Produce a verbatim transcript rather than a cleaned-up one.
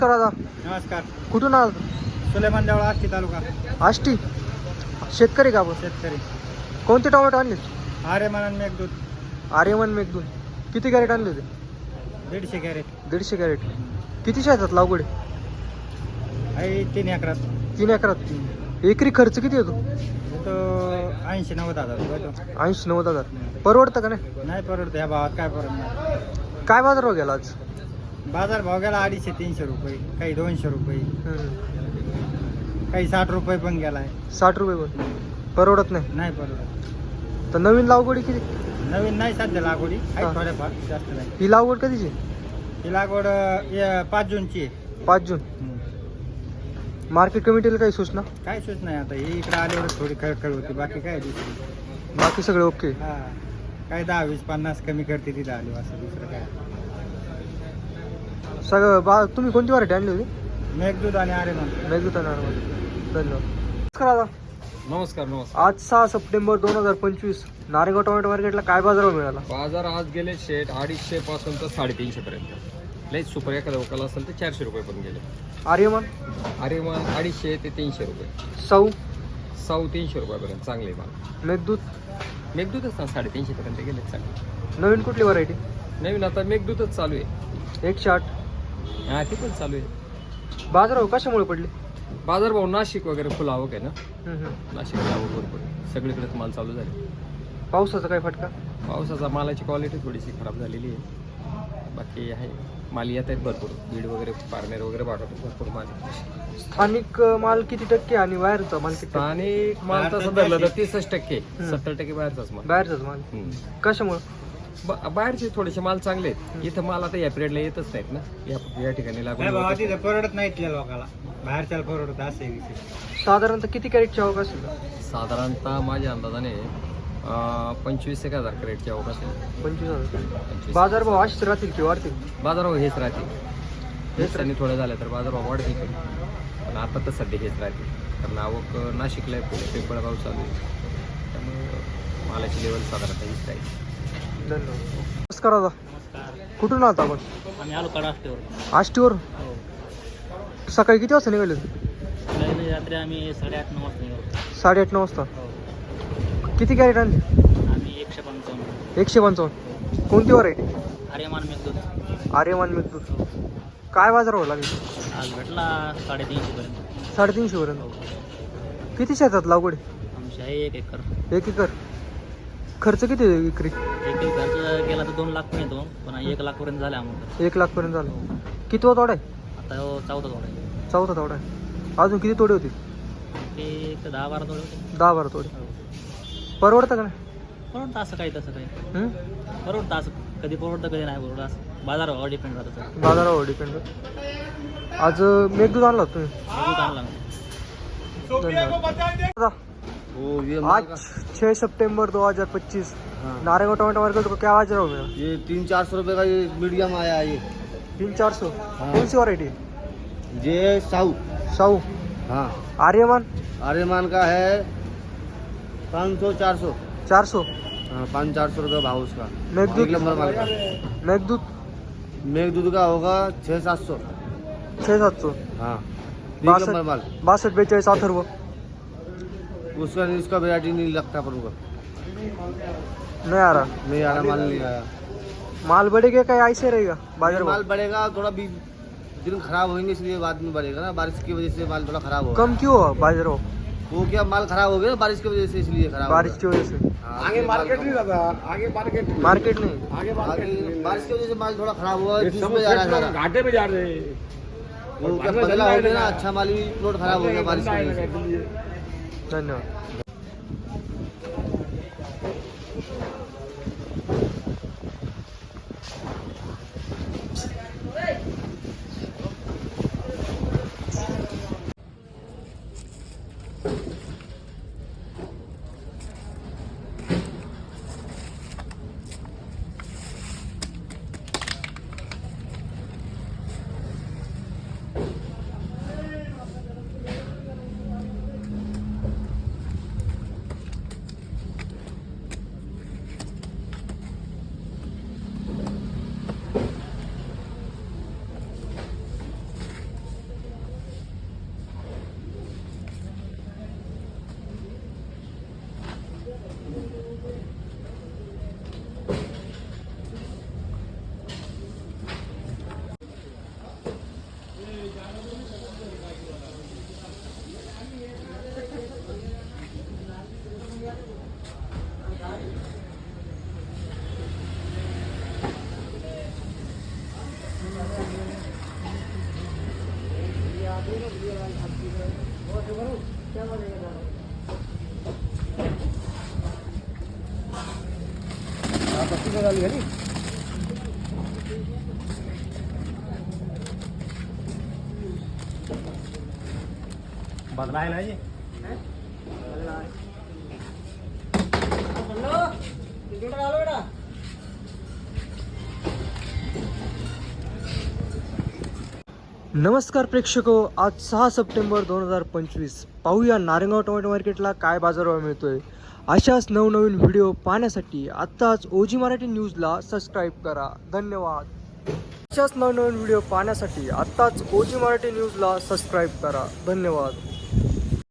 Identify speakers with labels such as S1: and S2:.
S1: दादा
S2: नमस्कार.
S1: कुठून आहात?
S2: सुलेमान देवळा, आष्टी तालुका.
S1: आष्टी शेतकरी का आपण?
S2: शेतकरी.
S1: कोणते टोमॅटो आणले?
S2: आर्यमान मेघदूत.
S1: आर्यमन मेघदूत. किती कॅरेट आणले होते?
S2: दीडशे कॅरेट.
S1: दीडशे कॅरेट. किती शेतात लागवड?
S2: आहे तीन एकरात.
S1: तीन एकरात. एकरी खर्च किती येतो?
S2: तो ऐंशी नव्वद हजार रुपये.
S1: ऐंशी नव्वद हजार. परवडतं का नाही?
S2: नाही परवडत ह्या भावात, काय परवडणार.
S1: काय बाजार भाव गेला आज?
S2: बाजार भाव गेला अडीचशे तीनशे रुपये, काही दोनशे रुपये,
S1: हम्म.
S2: काही साठ रुपये पण गेलाय.
S1: साठ रुपये पण परवडत नाही.
S2: नाही परवडत.
S1: तर नवीन लागवडी किती?
S2: नवीन नाही सध्या लागवडी,
S1: हा.
S2: आहे थोड्याफार, जास्त नाही.
S1: ही लागवड कधीची?
S2: ही लागवड अं, पाच जूनची आहे.
S1: पाच जून.
S2: हम्म.
S1: मार्केट कमिटीला काही सूचना?
S2: काय सूच नाही आता, ही इकडे आल्यावर थोडी खळखळ होती, बाकी काय दुसरी.
S1: बाकी सगळे ओके.
S2: हा, काय दहा वीस पन्नास कमी करते तिथं आली, असं दुसरं काय.
S1: सगळं बा तुम्ही कोणती व्हरायटी आणली होती?
S2: मेघदूत आणि आर्यमान.
S1: मेघदूत आणि आर्यमन. धन्यवाद. नमस्कार दादा.
S3: नमस्कार नमस्कार.
S1: आज सहा सप्टेंबर दोन हजार पंचवीस नारेगाव टोमॅटो मार्केटला काय बाजारभाव मिळाला?
S3: बाजार आज गेले शेट अडीचशे पासून तर साडेतीनशे पर्यंत. लई सुपर एखादा वकाला असेल तर चारशे रुपये पण गेले.
S1: आर्यमन
S3: अरे मग अडीचशे ते तीनशे रुपये.
S1: सौ
S3: सौ तीनशे रुपयापर्यंत चांगले माल.
S1: मेघदूत
S3: मेघदूतच ना साडेतीनशे पर्यंत गेले चांगले.
S1: नवीन कुठली व्हरायटी?
S3: नवीन आता मेघदूतच चालू आहे.
S1: एकशे आठ.
S3: हा ते पण चालू आहे.
S1: बाजारभाव कशामुळे पडले?
S3: बाजार भाऊ नाशिक वगैरे फुल आवक आहे ना,
S1: हम्म, हम्म.
S3: नाशिकला आवक भरपूर आहे. सगळीकडेच माल चालू झाले.
S1: पावसाचा काय फटका?
S3: पावसाचा मालाची क्वालिटी थोडीशी खराब झालेली आहे. बाकी आहे माल येत आहेत भरपूर. बीड वगैरे पारनेर वगैरे पाठवतो भरपूर माल.
S1: स्थानिक अं, माल किती टक्के आणि बाहेरचा माल किती टक्के?
S3: स्थानिक माल तसं धरलं तर तीसच टक्के,
S1: हम्म.
S3: सत्तर टक्के बाहेरचाच माल.
S1: बाहेरचाच माल.
S3: हम्म.
S1: कशामुळे?
S3: ब- बाहेरचे थोडेसे माल चांगले आहेत. इथं माल आता या पिरियडला येतच नाहीत ना, या या ठिकाणी लागून
S2: नाही बाबा,
S3: होतच
S2: तिथं परवडत नाही इथल्या लोकांना, बाहेरच्याला परवडत असं आहे विषय.
S1: साधारणतः किती कॅरेटची आवक असेल?
S3: नाही. साधारणतः माझ्या अंदाजाने अं, पंचवीस एक हजार कॅरेटची आवक असेल.
S1: पंचवीस हजार.
S3: पंचवीस.
S1: बाजारभाव असेच राहतील की वाढतील?
S3: बाजारभाव हेच राहतील. हेच त्यांनी थोडं झालं तर बाजारभाव वाढतील पण. पण आता तर सध्या हेच राहतील, कारण आवक नाशिकला आहे, पुढे पिंपळगाव चालू आहे, त्यामुळे मालाची लेवल साधारणतः हीच राहील.
S1: धन्यवाद. नमस्कार दादा. कुठून आहात आपण?
S2: आम्ही आलो कडा आष्टीवर.
S1: आष्टीवर.
S2: हो.
S1: सकाळी किती वाजता निघाले?
S2: रात्री आम्ही साडेआठ नऊ वाजता निघालो.
S1: साडेआठ नऊ वाजता.
S2: हो.
S1: किती कॅरेट आणले?
S2: आम्ही एकशे पंचावन्न.
S1: एकशे पंचावन्न. कोणती व्हरायटी?
S2: आर्यमान मेघदूत.
S1: आर्यमान मेघदूत. काय बाजारभाव लागेल?
S2: आज भेटला साडेतीनशे पर्यंत.
S1: साडेतीनशे पर्यंत. किती शेतात लागवड?
S2: आमची आहे एक एकर.
S1: एक एकर. खर्च किती आहे विक्री?
S2: एक एक खर्च गेला तर दोन लाख पण येतो, पण एक लाख पर्यंत झाला आम्हाला.
S1: एक लाख पर्यंत झालं. किती वा तोडा आहे?
S2: आता हो चौदा तोडा आहे.
S1: चौथा तोडा आहे. अजून किती तोडे होते?
S2: ते एक दहा बारा तोडे होते.
S1: दहा बारा तोडे.
S2: हो.
S1: परवडतं का नाही?
S2: परवडतं असं काही तसं काही.
S1: हं?
S2: परवडतं असं कधी परवडतं कधी नाही परवडतं, असं बाजारावर डिपेंड राहतं.
S1: बाजारावर डिपेंड. आज अं, मेघदूत आणला होता तुम्ही?
S2: दूध आणला मी.
S1: धन्यवाद. आज छह सितंबर दो हजार पच्चीस नारेगांव टोमेटो मार्केट को क्या बाजार मिला?
S4: ये तीन चार सौ रुपये का ये मीडियम आया है ये
S1: तीन चार सौ.
S4: हाँ।
S1: कौन सी वरायटी?
S4: ये साऊ
S1: साऊ.
S4: हाँ
S1: आर्यमान
S4: आर्यमान का है पाँच सौ चार सौ
S1: चार सौ.
S4: हाँ पाँच चार सौ रुपये भाव उसका.
S1: मेघदूत.
S4: एक नंबर माल का.
S1: मेघदूत
S4: मेघदूत का होगा छः सात सौ.
S1: छः सात सौ.
S4: हाँ एक
S1: बासठ
S4: नंबर माल.
S1: बासठ बेचाळीस अथर्व.
S4: उसका उसका वेराइटी नहीं लगता पर उनका
S1: नहीं आ रहा.
S4: नहीं आ रहा माल नहीं आया.
S1: माल बढ़ेगा क्या ऐसे रहेगा बाजार
S4: माल
S1: भाव?
S4: बढ़ेगा थोड़ा भी दिन खराब होंगे इसलिए बाद में बढ़ेगा ना, बारिश की वजह से माल थोड़ा खराब होगा.
S1: कम क्यों हुआ बाजार भाव?
S4: वो क्या माल खराब हो गया ना बारिश की वजह से, इसलिए खराब
S1: बारिश की वजह से.
S4: हाँ, आगे मार्केट नहीं
S1: मार्केट नहीं.
S4: आगे बारिश की वजह से माल थोड़ा खराब हुआ है. धूप में जा रहा है सारा.
S3: घाटे में जा रहे.
S4: वो क्या पतला हो गया ना, अच्छा माल भी प्लॉट खराब हो गया बारिश की वजह से.
S1: धन्यवाद.
S2: बदलाय ना जी
S1: नमस्कार प्रेक्षको, आज सहा सप्टेंबर दोन हजार पंचवीस. पाहूया नारायणगाव टोमॅटो मार्केटला काय बाजारभाव मिळतोय. अशाच नवनवीन व्हिडिओ पाहण्यासाठी आत्ताच ओजी मराठी न्यूजला सबस्क्राईब करा. धन्यवाद. अशाच नवनवीन व्हिडिओ पाहण्यासाठी आत्ताच ओजी मराठी न्यूजला सबस्क्राईब करा. धन्यवाद.